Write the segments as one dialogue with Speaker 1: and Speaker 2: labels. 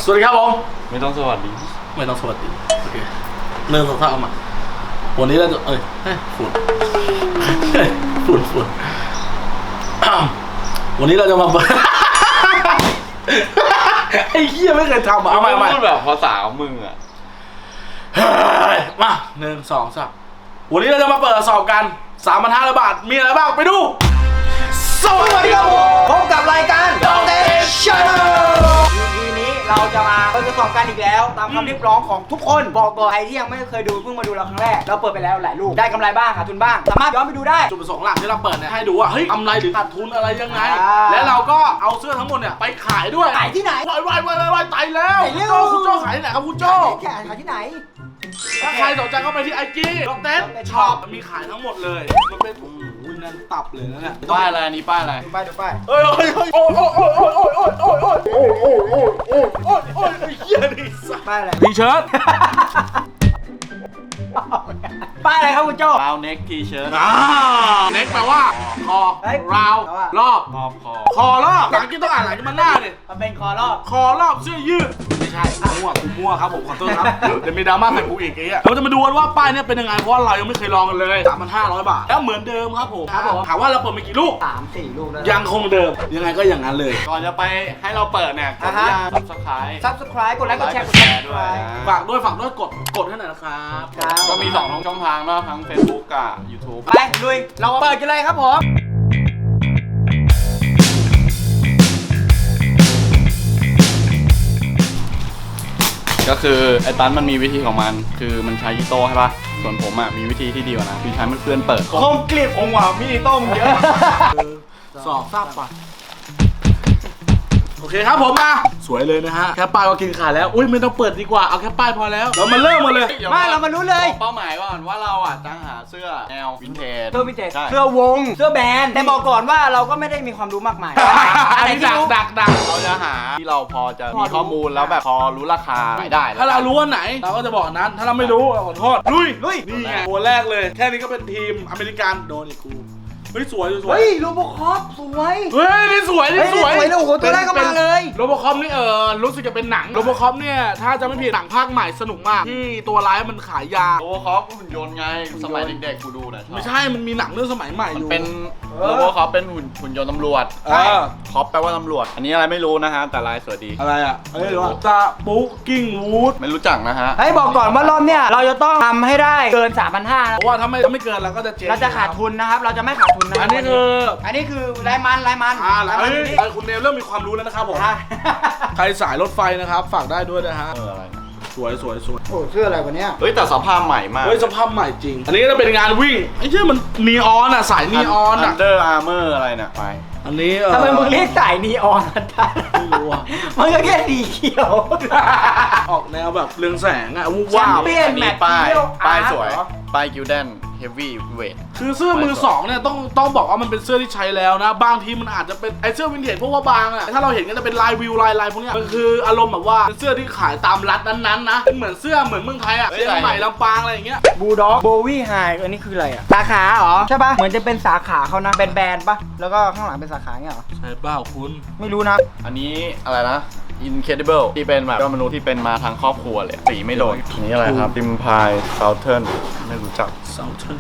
Speaker 1: สวัสดีครับผม
Speaker 2: ไม่ต้องสวัสดี
Speaker 1: ไม่ต้องสวัสดีโอเคเริ่มสักพักเอามาวันนี้เราจะฝุ่นวันนี้เราจะมาไอ้เหี้ยไม่เคยทำเอาใหม่
Speaker 2: พูดแบบภาษาของมึงอ่ะ
Speaker 1: มา1 2 3วันนี้เราจะมาเปิดสอบกัน 3,500 บาทมีอะไรบ้างไปดูสวัสดีครับ
Speaker 3: พบกับรายการดอกเตชั่นทีนี้เราจะมาทดสอบกันอีกแล้วตามคำเรียกร้องของทุกคนบอกตัวใครที่ยังไม่เคยดูเพิ่งมาดูเราครั้งแรกเราเปิดไปแล้วหลายลูกได้กำไรบ้างขาดทุนบ้างสามารถย้อนไปดูได้
Speaker 1: จุดประสงค์หลักที่เราเปิดเนี่ยให้ดูว่าเฮ้ยกำไรหรือขาดทุนอะไรยังไงและเราก็เอาเสื้อทั้งหมดเนี่ยไปขายด้วย
Speaker 3: ขายที่ไหน
Speaker 1: วายตายแล้วคุณโจ้ขายที่ไหนครับคุณโจ้
Speaker 3: ขายที่ไหน
Speaker 1: ถ้าใครสนใจก็ไปที่ไอจีดอกเต้ช็อปมีขายทั้งหมดเลยมันเป็นนั่นตับเลยนะเนี่ย
Speaker 2: ป้ายอะไรนี่ป้ายอะไร
Speaker 3: ดูป้าย
Speaker 1: โอ้ยเหี้ยนี่
Speaker 3: ป้ายอะไร
Speaker 1: ทีเชิ้ต
Speaker 3: ป้ายอะไรครับคุณโจ้
Speaker 2: ราวเน็กทีเชิ้ต
Speaker 1: เน็กแปลว่าคอราวรอบคอรอบหลังกินต้องอ่านหลังกินมันหน้าดิ
Speaker 3: มันเป็นคอรอบ
Speaker 1: เสื้อยืดไม่ใช่มั่วครับผมขอโทษครับเดี๋ยวมีดราม่าใส่กูอีกไอ้เงี้ยเราจะมาดูกันว่าป้ายเนี่ยเป็นยังไงเพราะว่าเรายังไม่เคยลองกันเลย 3,500 บาทแล้วเหมือนเดิมครับผมถามว่าเราเปิดมากี่ลูก
Speaker 3: 3-4 ลูกแล้ว
Speaker 1: ยังคงเดิมยังไงก็อย่างนั้นเลย
Speaker 2: ก่อนจะไปให้เราเปิดเนี่ยกด
Speaker 3: Subscribe กดไลค์กดแชร์
Speaker 2: ด้วย
Speaker 1: ฝากด้วยกดให้หน่อยนะครับ
Speaker 2: ก็มี2ช่องทางเนาะทั้ง Facebook กับ YouTube
Speaker 3: ไปลุยเราเปิดกันเลยครับผม
Speaker 2: ก็คือไอ้ตันมันมีวิธีของมันคือมันใช้อีโต้ใช่ป่ะส่วนผมอ่ะมีวิธีที่ดีกว่านะคือใช้มันเพื่อนเปิด
Speaker 3: คมกริบองว่ามีอีโต้มเยอะ
Speaker 1: สอบทราบป่ะโอเคครับผมมาสวยเลยนะฮะแค่ป้ายก็กินขาดแล้วอุ้ยไม่ต้องเปิดดีกว่าเอาแค่ป้ายพอแล้วเรามาเริ่มมาเลย
Speaker 3: ไม่เรามารู้เลย
Speaker 2: เป้าหมายก่อนว่าเราอ่ะจะหาเสื้อแนววินเทจ
Speaker 3: เสื้อวงเสื้อแบรนด์แต่บอกก่อนว่าเราก็ไม่ได้มีความรู้มากมาย
Speaker 1: อันนี้ดัก
Speaker 2: เราจะหาที่เราพอจะมีข้อมูลแล้วแบบพอรู้ราคาได้
Speaker 1: ถ้าเรารู้ว่าไหนเราก็จะบอกนั้นถ้าเราไม่รู้ขอโทษลุยนี่ไงตัวแรกเลยแค่นี้ก็เป็นทีมอเมริกันโดนอีกกูเฮ้ยสวย
Speaker 3: เฮ้ยโรบอคอปสวย
Speaker 1: เฮ้ยนี่สวย
Speaker 3: โอ้โหตัวแรกก็มาเลย
Speaker 1: โรบอคอปนี่รู้สึกจะเป็นหนังโรบอคอปเนี่ยถ้าจะไม่ผิดหนังภาคใหม่สนุกมากที่ตัวร้ายมันขายยา
Speaker 2: โรบอคอปหุ่นยนต์ไงสมัยเด็กๆกูดูนะ
Speaker 1: ไม่ใช่มันมีหนังเรื่องสมัยใหม่อยู่
Speaker 2: เป็นโรบอคอปเป็นหุ่นยนต์ตำรวจคอปแปลว่าตำรวจอันนี้อะไรไม่รู้นะฮะแต่ลายสวยดี
Speaker 1: อะไรอ่ะไม่รู้ตาปุ๊กกิ้งวูด
Speaker 2: ไม่รู้จักนะฮะ
Speaker 3: ให้บอกก่อนว่ารอบเนี้ยเราจะต้องทำให้ได้เกิน 3,500 นะ
Speaker 1: เพราะว่าถ้าไม่เกินเราก็จะเจ๊ง
Speaker 3: เราจะขาดทุนนะครับเราจะไม่ขาดทุนนะ
Speaker 1: อันนี้คือ
Speaker 3: รายมัน
Speaker 1: คุณเนมเริ่มมีความรู้แล้วนะครับผมใครสายรถไฟนะครับฝากได้ด้วยนะฮะ
Speaker 2: อะไร
Speaker 1: สวย
Speaker 3: โอ้เสื้ออะไรวะเนี้ย
Speaker 2: เฮ้ยแต่สภาพใหม่มาก
Speaker 1: สภาพใหม่จริงอันนี้จะเป็นงานวิ่งไอ้เจ้ามันนีออนอ่ะสายนีออนอ่ะ
Speaker 2: Under Armour อะไรเนี่ยไป
Speaker 1: อันนี้
Speaker 3: ทำไมมึงเรียกสายนีออนไม่รู้อ่ะมันก็แค่สีเขียว
Speaker 1: ออกแนวแบบเรืองแสงอ่ะวูบ
Speaker 3: ว้าวเปลี่ยนแมท
Speaker 2: ป้ายสวยป้ายกิลเดนเฮฟวี่เวท
Speaker 1: คือเสื้อมือสองเนี่ยต้องบอกว่ามันเป็นเสื้อที่ใช้แล้วนะบางทีมันอาจจะเป็นไอเสื้อวินเทจพวกว่าบางอ่ะถ้าเราเห็นก็จะเป็นลายวิวลายพวกนี้มันคืออารมณ์แบบว่าเป็นเสื้อที่ขายตามรัฐนั้นๆนะเป็นเหมือนเสื้อเหมือนเมืองไทยอ่ะเชียงใหม่ลำปางอะไรอย่างเงี้ย
Speaker 3: บูด็อกโบวี่ไฮอันนี้คืออะไรอ่ะสาขาเหรอใช่ป่ะเหมือนจะเป็นสาขาเขานะแบนป่ะแล้วก็ข้างหลังเป็นสาขาเงี้ยเหรอ
Speaker 1: ใช่เปล่าคุณ
Speaker 3: ไม่รู้นะ
Speaker 2: อันนี้อะไรนะIncredible ที่เป็นแบบยอดมนุษย์ที่เป็นมาทางครอบครัวเลยสีไม่โดนนี่อะไรครับ Empire Southern ไม่รู้จัก
Speaker 1: Southern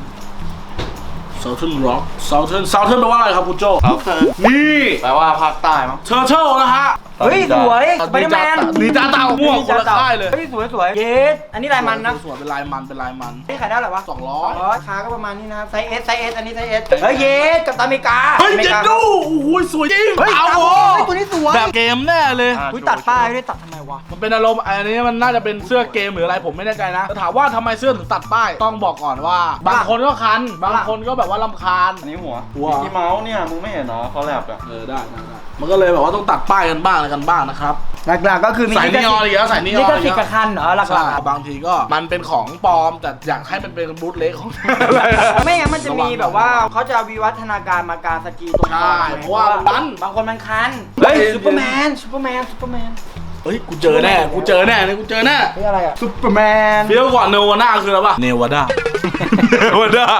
Speaker 1: Rock Southern แปลว่าอะไรครับคุณโจ
Speaker 2: Southern
Speaker 1: นี่
Speaker 2: แปลว่าภาคใต้มั้ง
Speaker 1: Turtle นะฮะ
Speaker 3: เฮ้ยสวยสไปเดอร์แมน
Speaker 1: นีจ่าเต่าม่วงคนละค่ายเลย
Speaker 3: เฮ้ยสวยเยสอันนี้ลายมันนะ
Speaker 1: สวยเป็นลายมัน
Speaker 3: นี่ขายได้หรอวะ
Speaker 1: 200
Speaker 3: ราคาก็ประมาณนี้นะไซส์ S อันนี้ไซส์ S เฮ้ยเยสกับอเมริกา
Speaker 1: เฮ้ยเจ็ดดูโอ้โหสวยจริง
Speaker 3: เฮ้ยตัวนี้สวย
Speaker 1: แบบเกมแน่เลย
Speaker 3: ตัดป้ายไม่ได้ตัดทำไมวะ
Speaker 1: มันเป็นอารมณ์อันนี้มันน่าจะเป็นเสื้อเกมหรืออะไรผมไม่แน่ใจนะถามว่าทำไมเสื้อถึงตัดป้ายต้องบอกก่อนว่าบางคนก็คันบางคนก็แบบว่ารำคาญ
Speaker 2: อันนี้หัวที่เมาส์เนี่ยมึงไม่เห็นเหรอเขาแลบอะ
Speaker 1: ได้มันก็เลยแบบว่าต้องตัดป้ายกันบ้างอะไรกันบ้างนะครับ
Speaker 3: หลักๆก็คือ
Speaker 1: ใส่นีออนอีกแล้วใส่นีออน
Speaker 3: นี่ก็ติดกระคันเหรอหลัก
Speaker 1: ๆบางทีก็มันเป็นของปลอมแต่อยากให้มันเป็นบูทเล็กของ
Speaker 3: ไม่งั้นมันจะมีแบบว่าเขาจะวิวัฒนาการมาการสกีตรง
Speaker 1: นี้เพราะว่า
Speaker 3: บางคนมันคันเฮ้ยซูเปอร์แมน
Speaker 1: เฮ้ยกูเจอแน่นี่กูเจอแน่
Speaker 3: เฮ้ยอะไรอะซูเปอร์แมน
Speaker 1: เฟี้ยวกว่าเนวาน่าคืออะไรปะเนวาด้า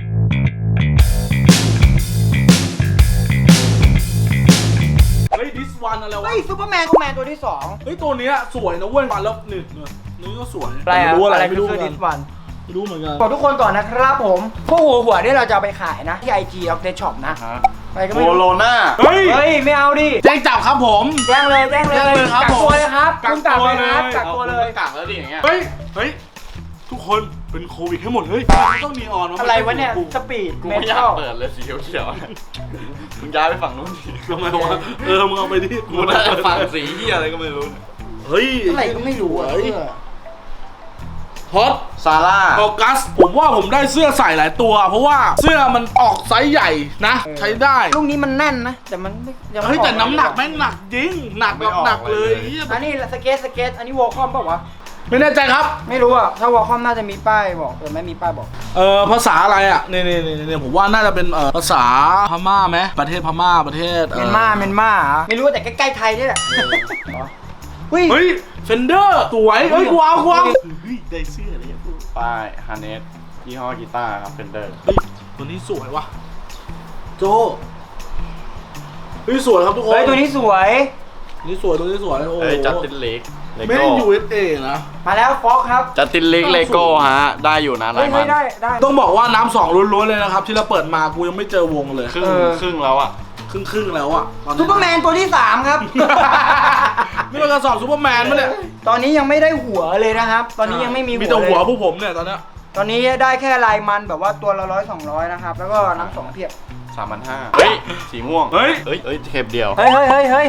Speaker 1: เฮ้ยดิสวันอะไรวะ
Speaker 3: เฮ้ยซูเปอร์แมนตัวที่สอง
Speaker 1: เฮ้ยตัวเนี้ยสวยนะเว้ยมาแล้วนี่ก็สวย
Speaker 3: อะไร
Speaker 1: ไม่รู้อะไร
Speaker 3: อะไร
Speaker 1: ไม่
Speaker 3: คือ
Speaker 1: รู้
Speaker 3: เซ
Speaker 1: เห
Speaker 3: อ
Speaker 1: มือน
Speaker 3: ร์ดิ
Speaker 1: กัน
Speaker 3: สวัน
Speaker 1: ไม่รู้เหมือนกัน
Speaker 3: บอกทุกคนก่อนนะครับผมพวกหัวนี่เราจะเอาไปขายนะที่ IG of the shop นะ
Speaker 2: ฮะ
Speaker 3: ไปก็
Speaker 2: โค
Speaker 3: ไม่รู้
Speaker 2: โรนา
Speaker 1: เฮ้ย
Speaker 3: เฮ้ยไม่เอาดิ
Speaker 1: แจ้งจับครับผม
Speaker 3: แจ้งเลย
Speaker 1: แจ้งเลยครับ
Speaker 3: กักตัวเลยครับ
Speaker 1: กั
Speaker 3: คุณ
Speaker 1: ก
Speaker 3: กัก
Speaker 1: ตัว
Speaker 3: เลยครับ
Speaker 1: เลย
Speaker 3: กักตัวเลย
Speaker 2: กักแล้วดิอย่างเงี้ย
Speaker 1: เฮ้ยทุกคนเป็นโควิดให้หมดเฮ้ยต้องนีออน
Speaker 3: อะไรวะเนี่ยสปีด
Speaker 2: กู
Speaker 3: เม
Speaker 2: ไม่อยา
Speaker 3: ทั
Speaker 2: ก
Speaker 3: ล
Speaker 2: เปิดเลยสีเขียวๆมึงย้ายไปฝั่งนู้นดิ
Speaker 1: ทำไมวะมึงเอาไปดิ
Speaker 2: กูได้ฝั่งสีเหี้ยอะไรก็ไม่รู้เนี่ย
Speaker 1: เฮ้ย
Speaker 3: อะไรก็ไม่รู้อะ
Speaker 1: ฮอต
Speaker 2: ซาร่า
Speaker 1: ออกัสผมว่าผมได้เสื้อใส่หลายตัว เพราะว่าเสื้อมันออกไซส์ใหญ่นะ ใช้ได้
Speaker 3: ลูกนี้มันแน่นนะแต่มันไม่ยังไม่
Speaker 1: เฮ้ยแต่
Speaker 3: ออ
Speaker 1: น้ำหนักแม่งหนักจริงหนักแบบหนักเลยเหี้ย
Speaker 3: อันนี้สเก็ตอันนี้วอลคอมเปล่าวะ
Speaker 1: ไม่แน่ใจครับ
Speaker 3: ไม่รู้อะถ้าวอลคอมน่าจะมีป้ายบอกแต่ไม่มีป้ายบอก
Speaker 1: ภาษาอะไรอ่ะนี่ผมว่าน่าจะเป็นภาษาพม่าไหมประเทศพม่าประเทศ
Speaker 3: เมียนมาเหรอไม่รู้แต่ใกล้ๆไทยนี่แหละเฮ้ย
Speaker 1: เฮ้ยเฟนเดอร์สวยเฮ้ยกูเอาเฮ้ยได้เสื้ออะไรอย่างเงี้ย
Speaker 2: ป้ายฮาร์เนสยี่ห้อกีตาร์ครับเฟนเดอร์
Speaker 1: เฮ้ยตัวนี้สวยว่ะโจเฮ้ยสวยครับทุกคน
Speaker 3: เฮ้ยตัวนี้สวย
Speaker 1: นี่สวยตัวนี้สวยโอ้โห
Speaker 2: เอ้ยจัสตินลีกเล
Speaker 1: ไม่
Speaker 2: โก้
Speaker 1: ได้ USA นะ
Speaker 3: มาแล้วฟ็อกครับ
Speaker 2: จัสตินลีกเลโก้ฮะได้อยู่นะ
Speaker 3: เฮ้
Speaker 2: ราย ยมัน
Speaker 3: ได้
Speaker 1: ต้องบอกว่าน้ำสองล้วนๆเลยนะครับ ที่เราเปิดมากูยังไม่เจอวงเลย
Speaker 2: ครึ่งแล้วอ่ะ
Speaker 1: ครึ่งแล้วอ่ะตอนนี้
Speaker 3: ซูเปอร์แมนตัวที่3ครับ
Speaker 1: นี่เป็นกระสอบซูเปอร์แมนมั้ยเนี่ย
Speaker 3: ตอนนี้ยังไม่ได้หัวเลยนะครับ ตอนนี้ยังไม่มี
Speaker 1: มีแต่หัว
Speaker 3: เลย
Speaker 1: พวกผมเนี่ยตอนเนี้ย
Speaker 3: ตอนนี้ได้แค่ลายมันแบบว่าตัวละ100-200นะครับแล้วก็น้ำสองเพียบ
Speaker 2: 3,500เฮ้ยสีม่วง
Speaker 1: เฮ้ย
Speaker 2: เฮ้ยเทปเดียว
Speaker 3: เฮ้ย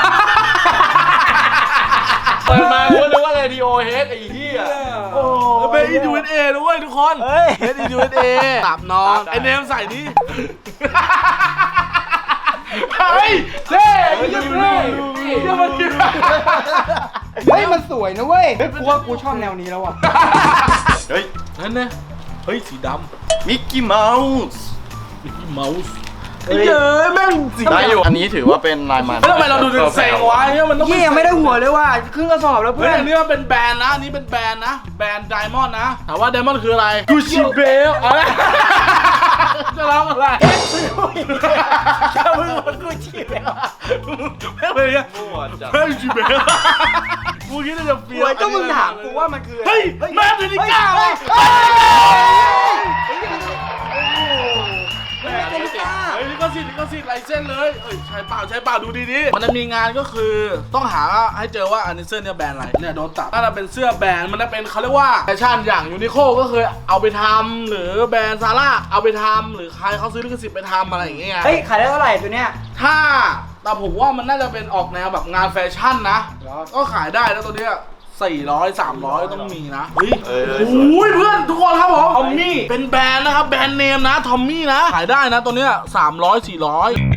Speaker 2: เปิดมากูนึกว่าเรดิโอเฮดไอ้เหี้ย
Speaker 3: โอ้
Speaker 1: เป็น USA ด้วยทุกคน
Speaker 3: เฮ้ย
Speaker 1: เป็น USA ตับนอนไอเนมใส่ดิเฮ้ยเท่ยังมัน
Speaker 3: เฮ้ยมันสวยนะเว้ยกูว่ากูชอบแนวนี้แล้วอ่ะ
Speaker 2: เฮ้ย
Speaker 1: นั่นเนี่ยเฮ้ยสีดำ
Speaker 2: มิกกี้เมาส์
Speaker 1: มิกกี้เมาส์ไอ้เย้ยแม่งสี
Speaker 2: ได้อยู่อันนี้ถือว่าเป็นลายมัน
Speaker 1: แล้วทำไมเราดูเซ็งวะเนี่ยมันต้อง
Speaker 3: นี่ยังไม่ได้หัวเลยว่ะครึ่งกระสอบแล้ว
Speaker 1: เฮ้
Speaker 3: เพื่
Speaker 1: ย
Speaker 3: อน
Speaker 1: อันนี้มันเป็นแบรนด์นะอันนี้เป็นแบรนด์นะแบรนด์ไดมอนด์นะถามว่าไดมอนด์คืออะไรกูชิเบลอะไรจะร้องอะไรจะมึงมันกูชิเบลไม่เป็นยัง
Speaker 2: มั่วจัด
Speaker 1: เฮ้ยชิเบลกูคิดว่าจะเฟี้
Speaker 3: สวยก็มึงถามกูว่ามันคือ
Speaker 1: เฮ้ยแม่ถึงก้าวอ่ะเฮ้ยลิขสิทธิ์ลายเส้นเลยเอ้ยใช้เปล่าดูดีๆมันจะมีงานก็คือต้องหาให้เจอว่าอันนี้เสื้อเนี่ยแบรนด์อะไรเนี่ยโดนตัดถ้าเราเป็นเสื้อแบรนด์มันจะเป็นเขาเรียกว่าแฟชั่นอย่างยูนิโคก็คือเอาไปทำหรือแบรนด์ซาร่าเอาไปทำหรือใครเขาซื้อลิขสิทธิ์ไปทำอะไรอย่างเงี้ย
Speaker 3: เฮ้ยขายได้เท่าไหร่ตัวเนี้ย
Speaker 1: ถ้าแต่ผมว่ามันน่าจะเป็นออกแนวแบบงานแฟชั่นนะ
Speaker 3: เหรอ
Speaker 1: ก็ขายได้นะตัวเนี้ย400 300ต้องมีนะเฮ้ย
Speaker 2: เอ้ย
Speaker 1: โอ้ยเพื่อนทุกคนครับผมทอมมี่เป็นแบรนด์นะครับแบรนด์เนมนะทอมมี่นะขายได้นะตัวเนี้ย300 400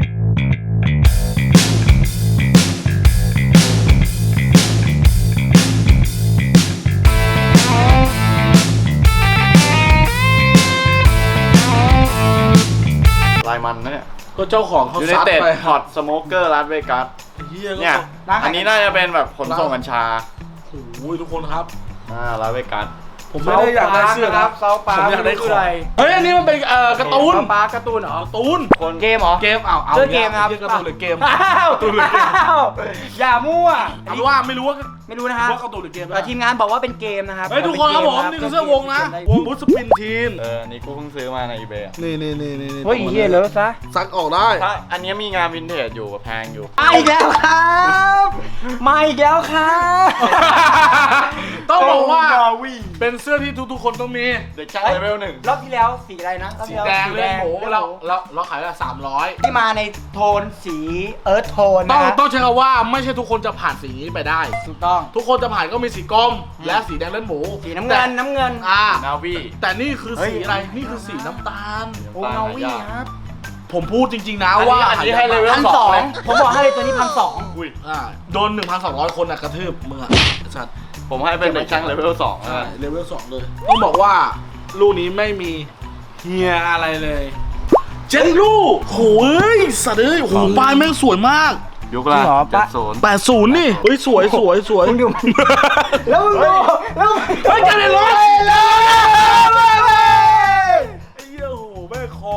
Speaker 2: ลายมันนะเนี่ย
Speaker 1: ก็เจ้าของเขา
Speaker 2: ยูไน
Speaker 1: ซัด
Speaker 2: เต็ด
Speaker 1: ไป
Speaker 2: ฮอตสโมเกอร์ลาสเวกัส
Speaker 1: เฮียก็
Speaker 2: เนี่ย อันนี้น่าจะเป็นแบบขนส่งกัญชา
Speaker 1: โอ้ยทุกคนครับ
Speaker 2: ลาสเวกัส
Speaker 1: ผมไม่ได้อยากได้เสื้อครับ
Speaker 3: เซาปาร์ค
Speaker 1: ผมอยากได้ของ
Speaker 3: อะไร
Speaker 1: เฮ้ยอันนี้มันเป็นการ์ตูน
Speaker 3: เซาปาร์คการ์ตูนเหรอ
Speaker 1: การ์ตูน
Speaker 2: คน
Speaker 3: เกมเหรอ
Speaker 1: เกมเอา
Speaker 3: เสื้อเกมครับ
Speaker 1: เรียกการ์ตูนหรือเกม
Speaker 3: อ้าว
Speaker 1: การ์ตูนหรือเกม
Speaker 3: อ้าวอย่ามั่ว
Speaker 1: เอาเป็นว่าไม่รู้ว่า
Speaker 3: ไม่รู้นะฮะ
Speaker 1: การ์ตูนหรือเกม
Speaker 3: แต่ทีมงานบอกว่าเป็นเกมนะครับ
Speaker 1: เฮ้ยทุกคนครับผมนี่คือเสื้อวงนะวงบูสปินทีม
Speaker 2: อันนี้กูเพิ่งซื้อมาในอีเบย์
Speaker 1: นี่
Speaker 3: เฮ้ยเฮียเลอะซะ
Speaker 1: ซักออกได้
Speaker 2: ถ้าอันนี้มีงานวินเทจอยู่แพงอยู่
Speaker 3: มาอีกแล้วครับมาอีกแล้วครับ
Speaker 1: ต้องบอกว่า
Speaker 2: นาวี
Speaker 1: เป็นเสื้อที่ทุกๆคนต้องมี
Speaker 2: เด็กช่างเลเวลหนึ่ง
Speaker 3: รอบที่แล้วสีอะไรนะรอบ
Speaker 1: สี
Speaker 3: ที่ล้ว
Speaker 1: แดงเลยโห
Speaker 3: สีแดง
Speaker 1: เราขายละ300
Speaker 3: ที่มาในโทนสีเอิร์ธโทน
Speaker 1: ต้อง
Speaker 3: นะ
Speaker 1: ต้องใช้คำว่าไม่ใช่ทุกคนจะผ่านสีนี้ไปได้
Speaker 3: ถูกต้อง
Speaker 1: ทุกคนจะผ่านก็มีสีกรมและสีแดงเลือดหมู
Speaker 3: สีน้ำเงินน้ำเงิน
Speaker 2: นาวี
Speaker 1: แต่นี่คือสีอะไรนี่คือสีน้ำตาล
Speaker 3: โอ้นาวีครับ
Speaker 1: ผมพูดจริงๆนะว่า
Speaker 2: อันนี้ให้เลเวล
Speaker 3: 1,200ผมบอกให้เลยตัวนี้1,200
Speaker 2: อุ้ย
Speaker 1: โดน 1,200 คนอะกระทืบมึงอะสัตว์
Speaker 2: ผมให้เป็นเด็กช่างเลเวล2
Speaker 1: ใช่เลเวล2เลย ต้องบอกว่าลูกนี้ไม่มีเฮียอะไรเลยเจ็ดลูกโหยสัตว์เอ้ยโหปลายแม่งสวยมาก
Speaker 2: ยุคละ
Speaker 3: จริงเหรอปะ
Speaker 2: 70
Speaker 1: 80นี่เฮ้ยสวย
Speaker 3: มึงดูแล้วมึงดูแล้ว
Speaker 1: เฮ้ยจะได้รถ
Speaker 3: เลย
Speaker 1: ไอ้เหี้ยโหแม่งคอ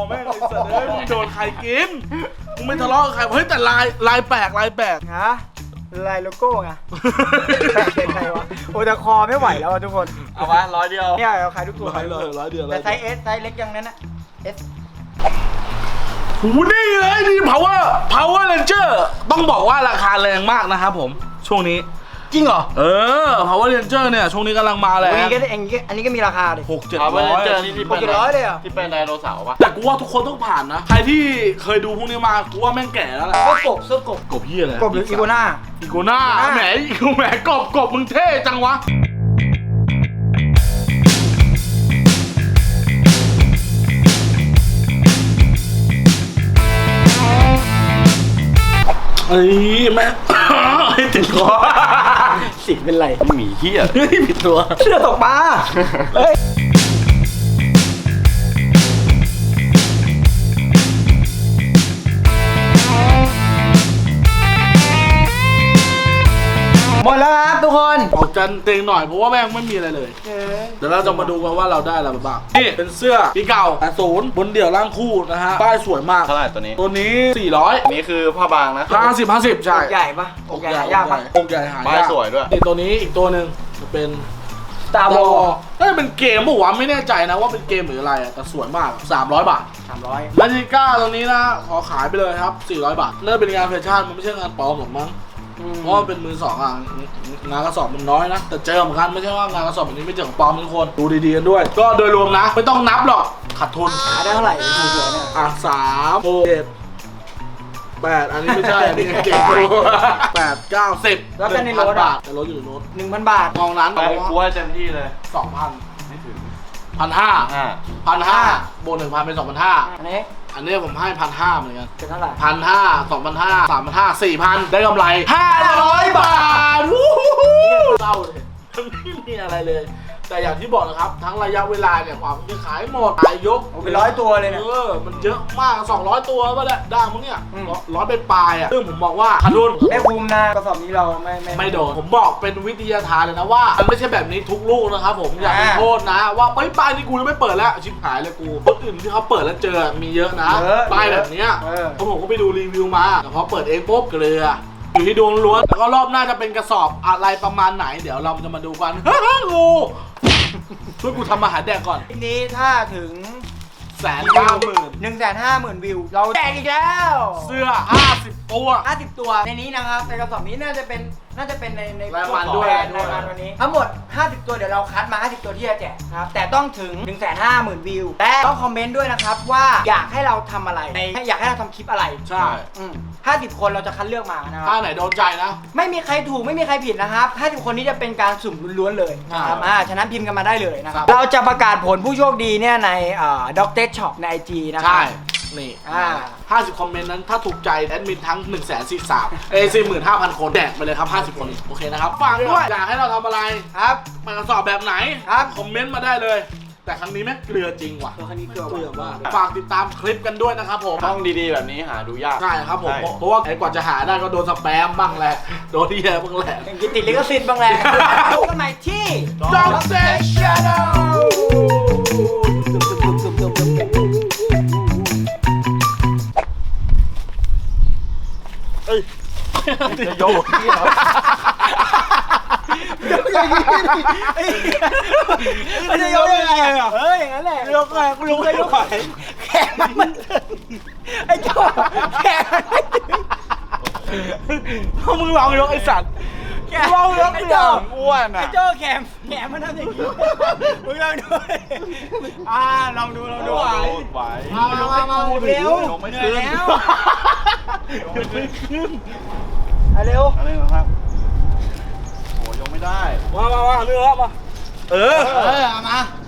Speaker 1: แม่งไอ้สัตว์เอ้ยมึงโดนใครกินมึงไม่ทะเลาะกับใครเฮ้ยแต่ลายแปลก
Speaker 3: ฮะลายโลโก้ไงแปลกเป็นไงวะโอ้แต่คอไม่ไหวแล้วอะทุกคน
Speaker 2: เอามา100 เดียว
Speaker 3: เนี่ยเราขายทุกตัว
Speaker 1: 100 เดียว
Speaker 3: แต่ไซส์ S ไซส์เล็กยังนั้นนะ S
Speaker 1: หูนี่เลยนี่ Power Ranger ต้องบอกว่าราคาแรงมากนะครับผมช่วงนี้
Speaker 3: จริงเหรอ
Speaker 1: Power Ranger เนี่ยช่วงนี้กำลังมาแรง
Speaker 3: อันนี้ก็มีราคาดิ
Speaker 2: เอาไปเจอที่
Speaker 3: 600เลยเหรอ
Speaker 2: ที่เป็นไดโนเสาร์ปะ
Speaker 1: แต่กูว่าทุกคนต้องผ่านนะใครที่เคยดูพวกนี้มากูว่าแม่งแก่แล้วแหละ
Speaker 3: ก็กบเสื้อกบ
Speaker 1: กบเหี้ยอะไร
Speaker 3: กบหรืออีโกน่า
Speaker 1: อีโกน่าแหมกบมึงเท่จังวะเอ้ยแม่ให้ติดคอ
Speaker 3: สิเป็นไร
Speaker 2: หมีเหี้ย
Speaker 1: เฮ้ยผิดตัว
Speaker 3: เสื้อตกปลาเฮ้ยหมดแล้วครับทุกคน
Speaker 1: ออกจันเต็งหน่อยเพราะว่าแม่งไม่มีอะไรเลย เดี๋ยวเราจะมาดูกันว่าเราได้อะไรมาบ้างนี่เป็นเสื้อปีเก่า80บนเดี่ยวร่างคู่นะฮะป้ายสวยมาก
Speaker 2: เท่าไหร่ตัวนี้
Speaker 1: ตัวนี้400
Speaker 2: อันนี้คือผ้าบางนะ
Speaker 1: 50ใช่
Speaker 3: อกใหญ่ปะอกใหญ่หายากปะ
Speaker 1: อกใหญ่หายาก
Speaker 2: ป้ายสวยด้วย
Speaker 1: นี่ตัวนี้อีกตัวหนึ่งจะเป็น
Speaker 3: Star Wars
Speaker 1: น่าจะเป็นเกมปะวะไม่แน่ใจนะว่าเป็นเกมหรืออะไรอะแต่สวยมาก300 บาท
Speaker 3: 300
Speaker 1: ลาจิก้าตัวนี้นะขอขายไปเลยครับ400 บาทน่าจะเป็นงานแฟชั่นมันไม่ใช่งานปลอมหรอกมั้งเพราะมันเป็นมือสองอ่ะงานกระสอบมันน้อยนะแต่เจอเหมือนกันไม่ใช่ว่างานกระสอบแบบนี้ไม่เจอของปลอมทุกคนดูดีๆกันด้วย ก็โดยรวมนะไม่ต้องนับหรอกขาดทุน
Speaker 3: หาได้เท่าไหร่สวยๆเนี่ย
Speaker 1: อ่ะ3 6 7 8อันนี้ไม่ใช่อันนี้เก่งตัว8 9 10
Speaker 3: แล้วเป็นในรถ
Speaker 1: 1,000
Speaker 3: อะ
Speaker 1: บาทแต่รถอยู่ในรถ
Speaker 3: 1,000 บาท
Speaker 1: มองนั้น
Speaker 2: ไปกูให้เต็มที่เลย
Speaker 1: 2,000
Speaker 2: ไม่ถึง
Speaker 1: 1,500 1,500บวก 1,000 เป็น 2,500
Speaker 3: อันนี้
Speaker 1: อันนี้ผมให้ 1,500 เหมือนกัน
Speaker 3: เป็นเท่าไหร่
Speaker 1: 1,500 2,500 3,500 4,000 ได้กำไร 500 บาทวู้ฮู้เศร้าเลยไม่มีอะไรเลย แต่อย่างที่บอกนะครับ ทั้งระยะเวลาเนี่ยความจะขายหมดขายยก
Speaker 3: โอ้เป็น100 ตัวเลยเนี่ย
Speaker 1: มันเยอะมาก 200 ตัวป่ะเนี่ยได้มั้งเนี่ย
Speaker 3: อืม
Speaker 1: ร้อยเป็นปลายอ่ะซึ่งผมบอกว่าขาดทุน
Speaker 3: ไม่คุ้มนะกระสอบนี้เรา
Speaker 1: ไม่โดน ผมบอกเป็นวิทยาทานเลยนะว่า มันไม่ใช่แบบนี้ทุกลูกนะครับผมอย่าไปโทษนะ ว่าป้ายนี่กูยังไม่เปิดแล้วชิบหายเลยกูคนอื่นที่เขาเปิดแล้วเจอมีเยอะนะป้ายแบบเนี้ยเพราะผมก็ไปดูรีวิวมาแต่พอเปิดเองปุ๊บเกลืออยู่ที่ดวงล้วนแล้วก็รอบหน้าจะเป็นกระสอบอะไรประมาณไหน เดี๋ยวเราจะมาดูกัน งูช่วยกูทำอาหารแดกก่อน
Speaker 3: ทีนี้ถ้าถึง
Speaker 1: 190,000
Speaker 3: 150,000 วิว เราแจกอีกแล้ว
Speaker 1: เสื้อ50 ตัว
Speaker 3: 50 ตัวในนี้นะครับในกระสอบนี้น่าจะเป็นใน
Speaker 1: รายวันด้วย
Speaker 3: รายวันวันนี้ทั้งหมด 50 ตัวเดี๋ยวเราคัดมา 50 ตัวที่จะแจกนะครับแต่ต้องถึง 150,000 วิวและต้องคอมเมนต์ด้วยนะครับว่าอยากให้เราทำอะไรอยากให้เราทำคลิปอะไร
Speaker 1: ใช่
Speaker 3: 50 คนเราจะคัดเลือกมานะค
Speaker 1: ถ้า
Speaker 3: รับ
Speaker 1: ไหนโดนใจนะ
Speaker 3: ไม่มีใครถูกไม่มีใครผิดนะครับ50 คนนี้จะเป็นการสุ่มล้วนๆเลยนะครับฉะนั้นพิมพ์กันมาได้เลยนะครับเราจะประกาศผลผู้โชคดีเนี่ยในด็อกเตอร์ช็อปใน IG นะครั
Speaker 1: ใช่
Speaker 3: บ
Speaker 1: นี่
Speaker 3: 50
Speaker 1: คอมเมนต์นั้นถ้าถูกใจแอดมินทั้ง 45,000 คนแดกไปเลยครับ 50 คนโอเคนะครับฝากด้วยอยากให้เราทำอะไร
Speaker 3: ครับ
Speaker 1: มากระสอบแบบไหน
Speaker 3: ครับ
Speaker 1: คอมเมนต์มาได้เลย แต่ครั้งนี้แม่งเกลือจริงว่ะ
Speaker 3: ตัวคันนี้เกลือ
Speaker 1: เกลือมากฝากติดตามคลิปกันด้วยนะครับผม
Speaker 2: ช่องดีๆแบบนี้หาดูยาก
Speaker 1: ใช่ครับผม
Speaker 2: ใช่
Speaker 1: เพราะว่าไอ้กว่าจะหาได้ก็โดนสแปมบ้างแหละโดนที่แย่บ้างแหละ
Speaker 3: กินติดลิขสิทธิ์บ้างแหละพบกันใหม่ที่
Speaker 1: Dog Day
Speaker 3: Channel
Speaker 2: จะยกที่เหรอ
Speaker 3: ไม่ได้ยกยังไงอ่ะอย่างนั้นแหละยกไงกูยกยกแขนมันถึงไอ้เจ้าแขนมันไม่ถึง
Speaker 1: ถ้ามึงลองยกไอ้สัตว์
Speaker 3: ลองยกเดียว
Speaker 2: อ้วนอ่ะ
Speaker 3: ไอ้เจ้าแขนมันทำอย่างนี้มึงลองดูลองดู
Speaker 2: ไหว
Speaker 3: มาเร็ว
Speaker 2: ลงไม่ขึ้น
Speaker 3: แล้ว
Speaker 2: ลงไม่ขึ้น
Speaker 3: เร็ว
Speaker 2: อะไรนะครับโอ้ยงไม่ได้
Speaker 1: มาเนื้อมา
Speaker 3: เอามา